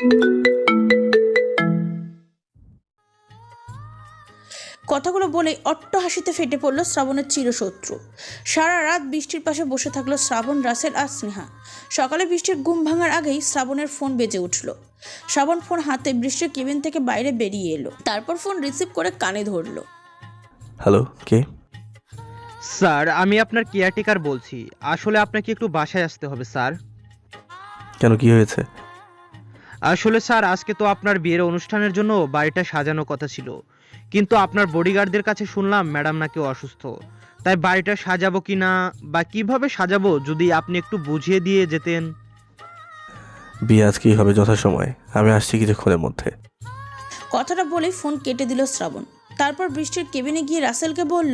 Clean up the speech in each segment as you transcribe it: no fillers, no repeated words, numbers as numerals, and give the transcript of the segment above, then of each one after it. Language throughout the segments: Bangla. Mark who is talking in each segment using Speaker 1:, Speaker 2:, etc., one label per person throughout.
Speaker 1: কথাগুলো বলেই অট্ট হাসিতে ফেটে পড়ল শ্রাবণের চিরশত্রু। সারা রাত বৃষ্টির পাশে বসে থাকলো শ্রাবণ, রাসেল আর স্নেহা। সকালে বৃষ্টির ঘুম ভাঙার আগেই শ্রাবণের ফোন বেজে উঠল। শ্রাবণ ফোন হাতে বৃষ্টির কেবিন থেকে বাইরে বেরিয়ে এলো, তারপর ফোন রিসিভ করে কানে ধরলো।
Speaker 2: হ্যালো, কে?
Speaker 3: স্যার, আমি আপনার কেয়ারটেকার বলছি। আসলে আপনাকে একটু বাসায় আসতে হবে স্যার।
Speaker 2: কেন, কি হয়েছে?
Speaker 3: আসলে স্যার, আজকে তো আপনার বিয়ের অনুষ্ঠানের জন্য বাড়িটা সাজানো কথা ছিল, কিন্তু আপনার বডিগার্ডদের কাছে শুনলাম ম্যাডাম নাকি অসুস্থ। তাই বাড়িটা সাজাবো কিনা বা কিভাবে সাজাবো যদি আপনি একটু বুঝিয়ে দিয়ে যেতেন।
Speaker 2: বিয়ে আজকেই হবে যথাসময়ে, আমি আসছি কিছুক্ষণের মধ্যে।
Speaker 1: কথাটা বলেই ফোন কেটে দিল শ্রাবণ। তারপর বৃষ্টির কেবিনে গিয়ে রাসেলকে বলল,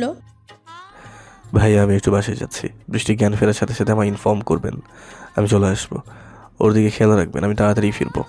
Speaker 2: ভাই আমি একটু বাসায় যাচ্ছি, বৃষ্টি জ্ঞান ফেরার সাথে সাথে আমায় ইনফর্ম করবেন, আমি চলে আসবো। ওর দিকে খেয়াল রাখবেন, আমি তাড়াতাড়ি ফিরবো।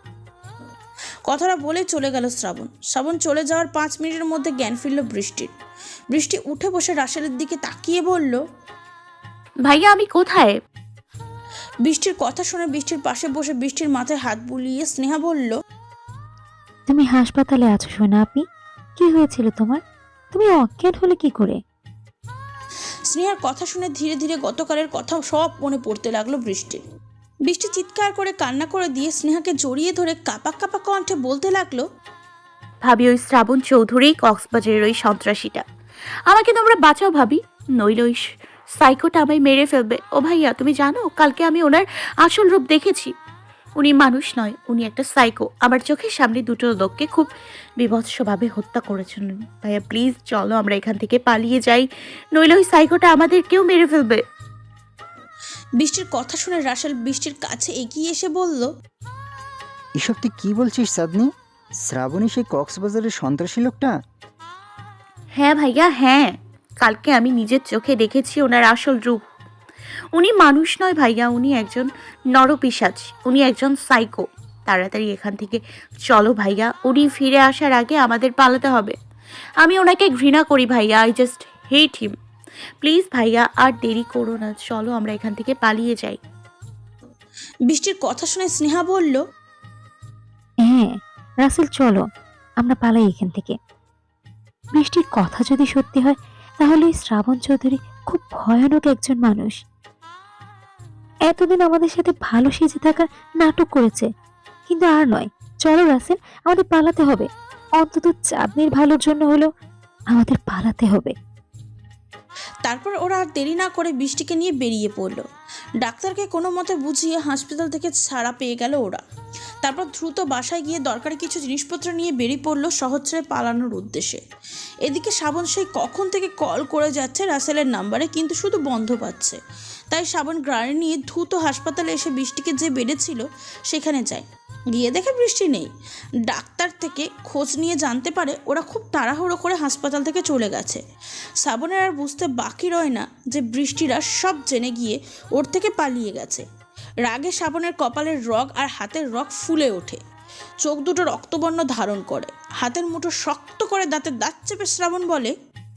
Speaker 1: কথাটা বলে চলে গেল শ্রাবণ। শ্রাবণ চলে যাওয়ার 5 মিনিটের মধ্যে জ্ঞান ফিরল বৃষ্টির। বৃষ্টি উঠে বসে রাসেলের দিকে তাকিয়ে বলল,
Speaker 4: ভাইয়া আমি কোথায়?
Speaker 1: বৃষ্টির কথা শুনে বৃষ্টির পাশে বসে বৃষ্টির মাথায় হাত বুলিয়ে স্নেহা বলল,
Speaker 5: তুমি হাসপাতালে আছো সোনা আপি। কি হয়েছিল তোমার? তুমি অজ্ঞান হলে কি করে?
Speaker 1: স্নেহার কথা শুনে ধীরে ধীরে গতকালের কথা সব মনে পড়তে লাগলো বৃষ্টির। বৃষ্টি চিৎকার করে কান্না করে দিয়ে স্নেহাকে জড়িয়ে ধরে কাঁপা কাঁপা কণ্ঠে বলতে লাগলো,
Speaker 4: ভাবি ওই শ্রাবণ চৌধুরী কক্সবাজারের ওই সন্ত্রাসীটা। আমাকে তোমরা বাঁচাও ভাবি, নইলে ওই সাইকোটা আমায় মেরে ফেলবে। ও ভাইয়া তুমি জানো, কালকে আমি ওনার আসল রূপ দেখেছি। উনি মানুষ নয়, উনি একটা সাইকো। আমার চোখের সামনে দুটো লোককে খুব বীভৎসভাবে হত্যা করেছেন। ভাইয়া প্লিজ চলো আমরা এখান থেকে পালিয়ে যাই, নইলে ওই সাইকোটা আমাদেরকেও মেরে ফেলবে।
Speaker 1: বৃষ্টির কথা শুনে রাসেল বৃষ্টির কাছে এগিয়ে এসে বলল,
Speaker 6: এসব তুই কি বলছিস চাঁদনি? শ্রাবণী সেই কক্সবাজারের সন্ত্রাসী লোকটা?
Speaker 4: হ্যাঁ ভাইয়া হ্যাঁ, কালকে আমি নিজের চোখে দেখেছি ওনার আসল রূপ। উনি মানুষ নয় ভাইয়া, উনি একজন নরপিশাচ, উনি একজন সাইকো। তাড়াতাড়ি এখান থেকে চলো ভাইয়া, উনি ফিরে আসার আগে আমাদের পালাতে হবে। আমি ওনাকে ঘৃণা করি ভাইয়া, I just hate him. Please ভাইয়া আর দেরি করো না, চলো আমরা এখান থেকে পালিয়ে যাই।
Speaker 1: বৃষ্টির কথা শুনে স্নেহা বলল,
Speaker 5: হ্যাঁ রাসেল চলো, আমরা পালাই এখান থেকে। বৃষ্টির কথা যদি সত্যি হয় তাহলে এই শ্রাবণ চৌধুরী খুব ভয়ানক একজন মানুষ। এতদিন আমাদের সাথে ভালো সেজে থাকার নাটক করেছে, কিন্তু আর নয়। চলো রাসেল, আমাদের পালাতে হবে। অন্তত চাঁদনির ভালোর জন্য হলেও আমাদের পালাতে হবে।
Speaker 1: তারপর ওরা আর দেরি না করে বৃষ্টিকে নিয়ে বেরিয়ে পড়ল। ডাক্তারকে কোনো মতে বুঝিয়ে হাসপাতাল থেকে ছাড়া পেয়ে গেল ওরা। তারপর দ্রুত বাসায় গিয়ে দরকারি কিছু জিনিসপত্র নিয়ে বেরিয়ে পড়লো শহর ছেড়ে পালানোর উদ্দেশ্যে। এদিকে শ্রাবণ সেই কখন থেকে কল করে যাচ্ছে রাসেলের নাম্বারে, কিন্তু শুধু বন্ধ পাচ্ছে। তাই শ্রাবণ গাড়ি নিয়ে দ্রুত হাসপাতালে এসে বৃষ্টিকে যে বেডে ছিল সেখানে যায়। গিয়ে দেখে বৃষ্টি নেই। ডাক্তার থেকে খোঁজ নিয়ে জানতে পারে ওরা খুব তাড়াহুড়ো করে হাসপাতাল থেকে চলে গেছে। শ্রাবণের আর বুঝতে বাকি রয় না যে বৃষ্টিরা সব জেনে গিয়ে ওর থেকে পালিয়ে গেছে। রাগে শ্রাবণের কপালের রগ আর হাতের রগ ফুলে ওঠে, চোখ দুটো রক্তবর্ণ ধারণ করে, হাতের মুঠো শক্ত করে দাঁতে দাঁত চেপে শ্রাবণ বলে,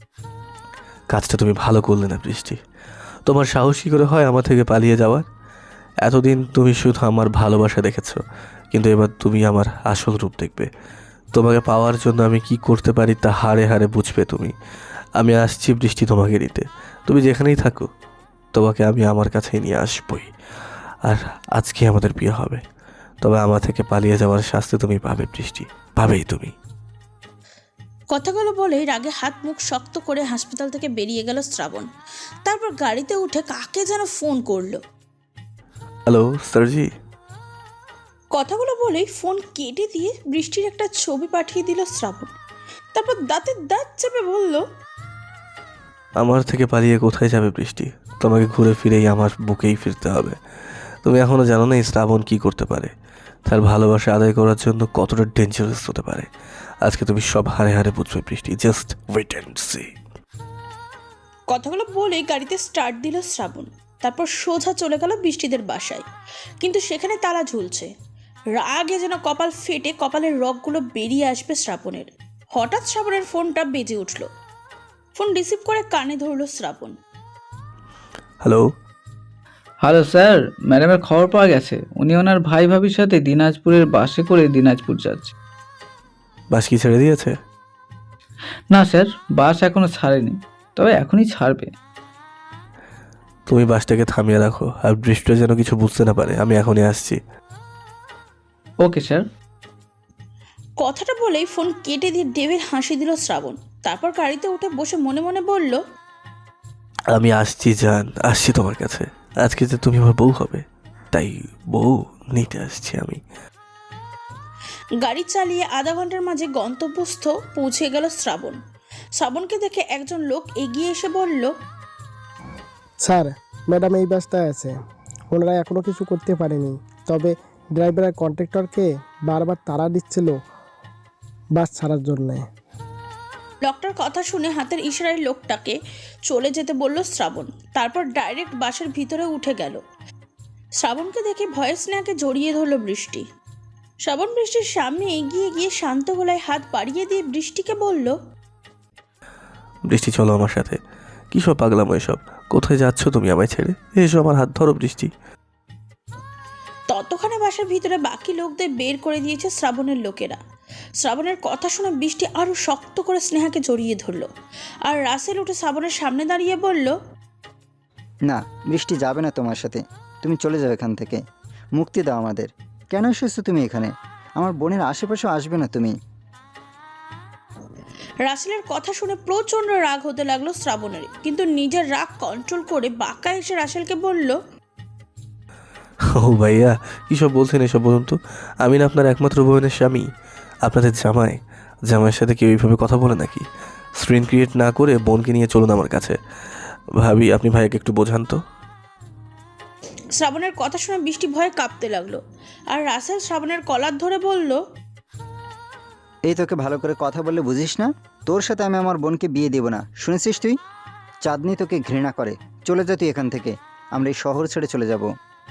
Speaker 2: কাজটা তুমি ভালো করলে না বৃষ্টি। তোমার সাহস কী করে হয় আমার থেকে পালিয়ে যাওয়ার? এতদিন তুমি শুধু আমার ভালোবাসা দেখেছো, কিন্তু এবার তুমি আমার আসল রূপ দেখবে। তোমাকে পাওয়ার জন্য আমি কি করতে পারি তা হাড়ে হাড়ে বুঝবে তুমি। আমি আসছি বৃষ্টি তোমাকে নিতে, তুমি যেখানেই থাকো তোমাকে আমি আমার কাছেই নিয়ে আসবই। আর আজকে আমাদের বিয়ে হবে, তবে আমার থেকে পালিয়ে যাওয়ার শাস্তি তুমি পাবে বৃষ্টি, পাবেই তুমি।
Speaker 1: কথাগুলো বলে রাগে হাত মুখ শক্ত করে হাসপাতাল থেকে বেরিয়ে গেল শ্রাবণ। তারপর গাড়িতে উঠে কাকে যেন ফোন করলো।
Speaker 2: হ্যালো স্যারজি।
Speaker 1: কথাগুলো বলেই ফোন কেটে দিয়ে বৃষ্টির একটা ছবি পাঠিয়ে দিল শ্রাবণ। তারপর দাঁতে দাঁত চেপে বলল,
Speaker 2: আমার থেকে পালিয়ে কোথায় যাবে বৃষ্টি? তোমাকে ঘুরে ফিরেই আমার বুকেই ফিরতে হবে। তুমি এখনো জানো না এই শ্রাবণ কী করতে পারে, তার ভালোবাসা আদায় করার জন্য কতটা ডেঞ্জারাস হতে পারে। আজকে তুমি সব হারে হারে বুঝবে বৃষ্টি, জাস্ট ওয়েট অ্যান্ড সি।
Speaker 1: কথাগুলো বলেই গাড়িতে স্টার্ট দিল শ্রাবণ। তারপর সোজা চলে গেল বৃষ্টিদের বাসায়, কিন্তু সেখানে তালা ঝুলছে। রাগে যেন কপাল ফেটে কপালের রগগুলো বেরিয়ে আসবে শ্রাবণের। হঠাৎ শ্রাবণের ফোনটা বেজে উঠল। ফোন রিসিভ করে কানে ধরল শ্রাবণ।
Speaker 2: হ্যালো।
Speaker 7: হ্যালো স্যার, ম্যাডামের খবর পাওয়া গেছে। উনি ওনার ভাই ভাবির সাথে দিনাজপুরের বাসে করে দিনাজপুর যাচ্ছে।
Speaker 2: বাস কি ছেড়ে দিয়েছে?
Speaker 7: না স্যার, বাস এখনো ছাড়েনি, তবে এখনই ছাড়বে।
Speaker 2: তুমি বাসটাকে থামিয়ে রাখো, আর বৃষ্টি যেন কিছু বুঝতে না পারে। আমি এখনই আসছি।
Speaker 7: Okay sir.
Speaker 1: কথাটা বলেই ফোন কেটে দিয়ে ডেভির হাসি দিল শ্রাবণ। তারপর গাড়িতে উঠে বসে মনে মনে বলল,
Speaker 2: আমি আসছি জান, আসছি তোমার কাছে। আজকে যে তুমি আমার বউ হবে, তাই বউ নিতে আসছি আমি।
Speaker 1: গাড়ি চালিয়ে আধা ঘন্টার মাঝে গন্তব্যস্থ পৌঁছে গেল শ্রাবণ। শ্রাবণকে দেখে একজন লোক এগিয়ে এসে বলল,
Speaker 8: স্যার, ম্যাডাম এই বাসটায় আছে। ওনারা এখনও কিছু করতে পারেনি, তবে ড্রাইভার আর কন্ট্রাক্টরকে বারবার তাড়া দিচ্ছিল বাস ছাড়ার জন্যে।
Speaker 1: লোকটার কথা শুনে হাতের ইশারায় লোকটাকে চলে যেতে বলল শ্রাবণ। তারপর ডাইরেক্ট বাসের ভিতরে উঠে গেল। শ্রাবণকে দেখে ভয়ে স্নেহাকে জড়িয়ে ধরল বৃষ্টি। শ্রাবণ বৃষ্টির সামনে এগিয়ে গিয়ে শান্ত গলায় হাত বাড়িয়ে দিয়ে বৃষ্টিকে বলল,
Speaker 2: বৃষ্টি চলো আমার সাথে। কী সব পাগলাম এসব? কোথায় যাচ্ছ তুমি আমায় ছেড়ে? এসো, আমার হাত ধরো বৃষ্টি।
Speaker 1: ততক্ষণে বাসার ভিতরে বাকি লোকদের বের করে দিয়েছে শ্রাবণের লোকেরা। শ্রাবণের কথা শুনে বৃষ্টি আরো শক্ত করে স্নেহাকে জড়িয়ে ধরলো। আর রাসেল উঠে শ্রাবণের সামনে দাঁড়িয়ে বলল,
Speaker 6: না, বৃষ্টি যাবে না তোমার সাথে। তুমি চলে যাও এখান থেকে। মুক্তি দাও আমাদের। কেন এসেছো তুমি এখানে? আমার বোনের আশেপাশেও আসবে না তুমি।
Speaker 1: রাসেলের কথা শুনে প্রচন্ড রাগ হতে লাগলো শ্রাবণের, কিন্তু নিজের রাগ কন্ট্রোল করে বাঁকা এসে রাসেলকে বলল,
Speaker 2: ও ভাইয়া, কী সব বলছেন এসব? বলুন তো, আমি না আপনার একমাত্র বোনের স্বামী, আপনাদের জামাই। জামাইয়ের সাথে কেউ এইভাবে কথা বলে নাকি? স্ক্রিন ক্রিয়েট না করে বোনকে নিয়ে চলুন আমার কাছে। ভাবি, আপনি ভাইয়াকে একটু বোঝান তো।
Speaker 1: শ্রাবণের কথা শুনে বৃষ্টি ভয়ে কাঁপতে লাগলো। আর রাসেল শ্রাবণের কলার ধরে বলল,
Speaker 6: এই তোকে ভালো করে কথা বললে বুঝিস না? তোর সাথে আমি আমার বোনকে বিয়ে দেব না, শুনেছিস তুই? চাঁদনি তোকে ঘৃণা করে। চলে যা তুই এখান থেকে। আমরা এই শহর ছেড়ে চলে যাব।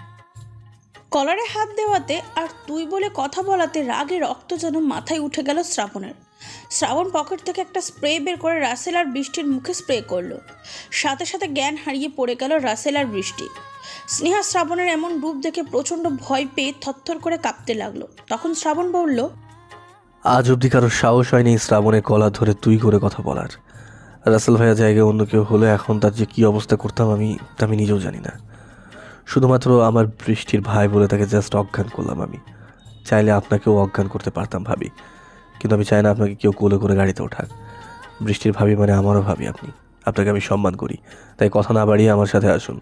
Speaker 1: কলারে হাত দেওয়াতে আর তুই বলে কথা বলাতে রাগে রক্ত যেন মাথায় উঠে গেল শ্রাবণের। শ্রাবণ পকেট থেকে একটা স্প্রে বের করে রাসেল আর বৃষ্টির মুখে স্প্রে করলো। সাথে সাথে জ্ঞান হারিয়ে পড়ে গেল রাসেল আর বৃষ্টি। স্নেহা শ্রাবণের এমন রূপ দেখে প্রচণ্ড ভয় পেয়ে থরথর করে কাঁপতে লাগলো। তখন শ্রাবণ বলল,
Speaker 2: আজ অবধি কারো সাহস হয়নি শ্রাবণের কলা ধরে তুই করে কথা বলার। রাসেল ভাইয়া জায়গায় অন্য কেউ হলে এখন তার যে কী অবস্থা করতাম আমি নিজেও জানি না। শুধুমাত্র আমার বৃষ্টির ভাই বলে তাকে জাস্ট অজ্ঞান করলাম আমি। চাইলে আপনাকেও অজ্ঞান করতে পারতাম ভাবি, কিন্তু আমি চাই না আপনাকে কেউ কোলে করে গাড়িতে ওঠাক। বৃষ্টির ভাবি মানে আমারও ভাবি আপনি। আপনাকে আমি সম্মান করি, তাই কথা না বাড়িয়ে আমার সাথে আসুন।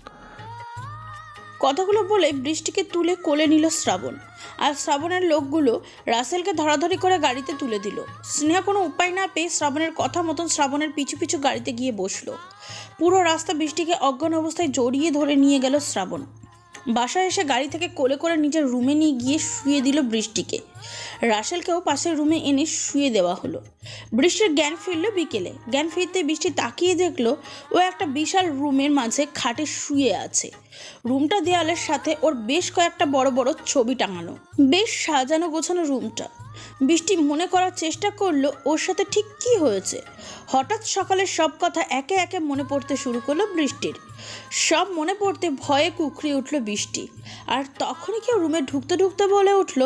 Speaker 1: কথাগুলো বলে বৃষ্টিকে তুলে কোলে নিল শ্রাবণ। আর শ্রাবণের লোকগুলো রাসেলকে ধরাধরি করে গাড়িতে তুলে দিল। স্নেহা কোনো উপায় না পেয়ে শ্রাবণের কথা মতন শ্রাবণের পিছু পিছু গাড়িতে গিয়ে বসলো। পুরো রাস্তা বৃষ্টিকে অজ্ঞান অবস্থায় জড়িয়ে ধরে নিয়ে গেল শ্রাবণ। বাসায় এসে গাড়ি থেকে কোলে করে নিজের রুমে নিয়ে গিয়ে শুয়ে দিল বৃষ্টিকে। রাসেলকেও পাশের রুমে এনে শুয়ে দেওয়া হলো। বৃষ্টির জ্ঞান ফিরল বিকেলে। জ্ঞান ফিরতে বৃষ্টি তাকিয়ে দেখলো ও একটা বিশাল রুমের মাঝে খাটে শুয়ে আছে। রুমটা দেয়ালের সাথে ওর বেশ কয়েকটা বড় বড় ছবি টাঙানো। বেশ সাজানো গোছানো রুমটা। বৃষ্টি মনে করার চেষ্টা করলো ওর সাথে ঠিক কী হয়েছে। হঠাৎ সকালের সব কথা একে একে মনে পড়তে শুরু করলো বৃষ্টির। সব মনে পড়তে ভয়ে কুকড়ে উঠল বৃষ্টি। আর তখনই কেউ রুমে ঢুকতে ঢুকতে বলে উঠল,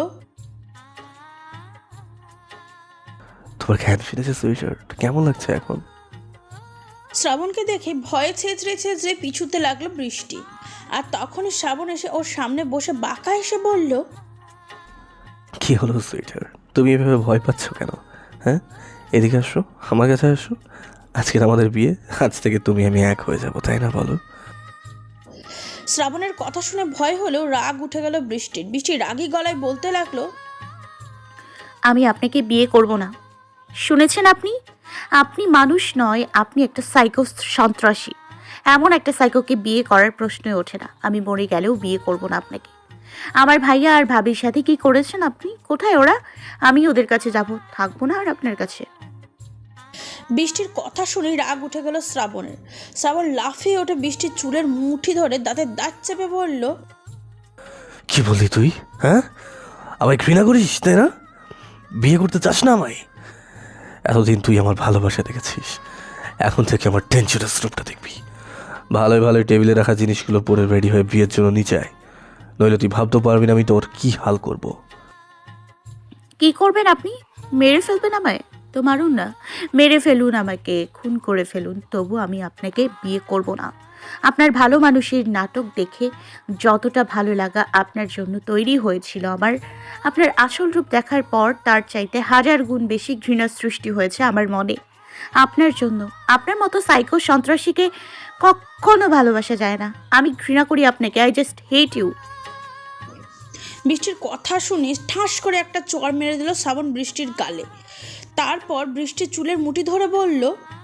Speaker 2: তোমার জ্ঞান ফিরেছে সুইটার? কেমন লাগছে এখন?
Speaker 1: শ্রাবণকে দেখে ভয়ে ছেঁচড়ে ছেঁচড়ে পিছুতে লাগলো বৃষ্টি। আর তখনই শ্রাবণ এসে ওর সামনে বসে বাঁকা এসে বলল,
Speaker 2: কি হলো সুইটার? তুমি এভাবে ভয় পাচ্ছ কেন? হ্যাঁ, এদিকে আসো, আমার কাছে আসো। আজকের আমাদের বিয়ে, আজ থেকে তুমি আমি এক হয়ে যাবো, তাই না বলো?
Speaker 1: শ্রাবণের কথা শুনে ভয় হলেও রাগ উঠে গেল বৃষ্টির। বৃষ্টি রাগী গলায় বলতে লাগলো,
Speaker 4: আমি আপনাকে বিয়ে করব না। শুনেছেন আপনি? আপনি মানুষ নয়, আপনি একটা সাইকো সন্ত্রাসী। এমন একটা সাইকোকে বিয়ে করার প্রশ্নই ওঠে না। আমি মরে গেলেও বিয়ে করব না আপনাকে। আমার ভাইয়া আর ভাবির সাথে কি করেছেন আপনি? কোথায় ওরা? আমি ওদের কাছে যাব, থাকবো না আর আপনার কাছে।
Speaker 1: বৃষ্টির কথা শুনে রাগ উঠে গেল শ্রাবণের। শ্রাবণ লাফিয়ে ওঠে বৃষ্টির চুলের মুঠি ধরে দাঁতের দাঁত চেপে বলল,
Speaker 2: কি বললি তুই? হ্যাঁ, আমায় ঘৃণা করিস তাই না? বিয়ে করতে চাস না আমায়? এতদিন তুই আমার ভালোবাসা দেখেছিস, এখন থেকে আমার ডেঞ্জারাস রূপটা দেখবি। ভালোই ভালোই টেবিলে রাখা জিনিসগুলো পরে রেডি হয়ে বিয়ের জন্য নিচে আয়, নইলে তুই ভাবতে পারবি না আমি তোর কি হাল করব।
Speaker 4: কি করবেন আপনি? মেরে ফেলবেন আমায়? তো মারুন না, মেরে ফেলুন, আমাকে খুন করে ফেলুন, তবু আমি আপনাকে বিয়ে করব না। আপনার ভালো মানুষের নাটক দেখে যতটা ভালো লাগা আপনার জন্য তৈরি হয়েছিল আমার, আপনার আসল রূপ দেখার পর তার চাইতে 1000 গুণ বেশি ঘৃণা সৃষ্টি হয়েছে আমার মনে আপনার জন্য। আপনার মতো সাইকো সন্ত্রাসীকে কখনো ভালোবাসা যায় না। আমি ঘৃণা করি আপনাকে। I just hate you.
Speaker 1: বৃষ্টির কথা শুনে ঠাস করে একটা চড় মেরে দিল শ্রাবণ বৃষ্টির গালে। তারপর বৃষ্টির চুলের মুঠি ধরে বলল,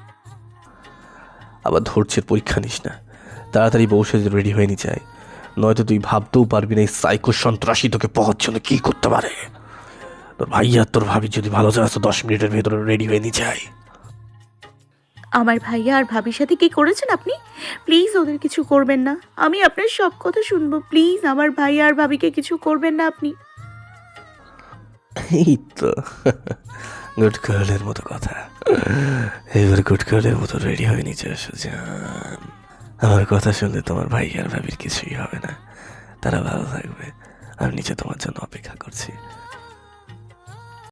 Speaker 2: আবার ধৈর্যের পরীক্ষা নিস না, তাড়াতাড়ি বউ সেজে রেডি হয়ে নি চাই, নয়তো তুই ভাবতেও পারবি না এই সাইকো সন্ত্রাসী তোকে পাওয়ার জন্য কি করতে পারে। তোর ভাইয়া তোর ভাবি যদি ভালো চাস তো 10 মিনিটের ভেতরে রেডি হয়ে নি চাই।
Speaker 4: আমার ভাইয়া আর ভাবির সাথে কি করেছেন আপনি? প্লিজ ওদের কিছু করবেন না, আমি আপনার সব কথা শুনবো। প্লিজ আমার ভাইয়া আর ভাবিকে কিছু করবেন না আপনি।
Speaker 2: এই তো গুড গার্লের মতো কথা, এবার গুড গার্লের মতো রেডি হয়ে নিচে আসো জান। আমার কথা শুনলে তোমার ভাই আর ভাবির কিছুই হবে না, তারা ভালো থাকবে। আমি নিচে তোমার জন্য অপেক্ষা করছি।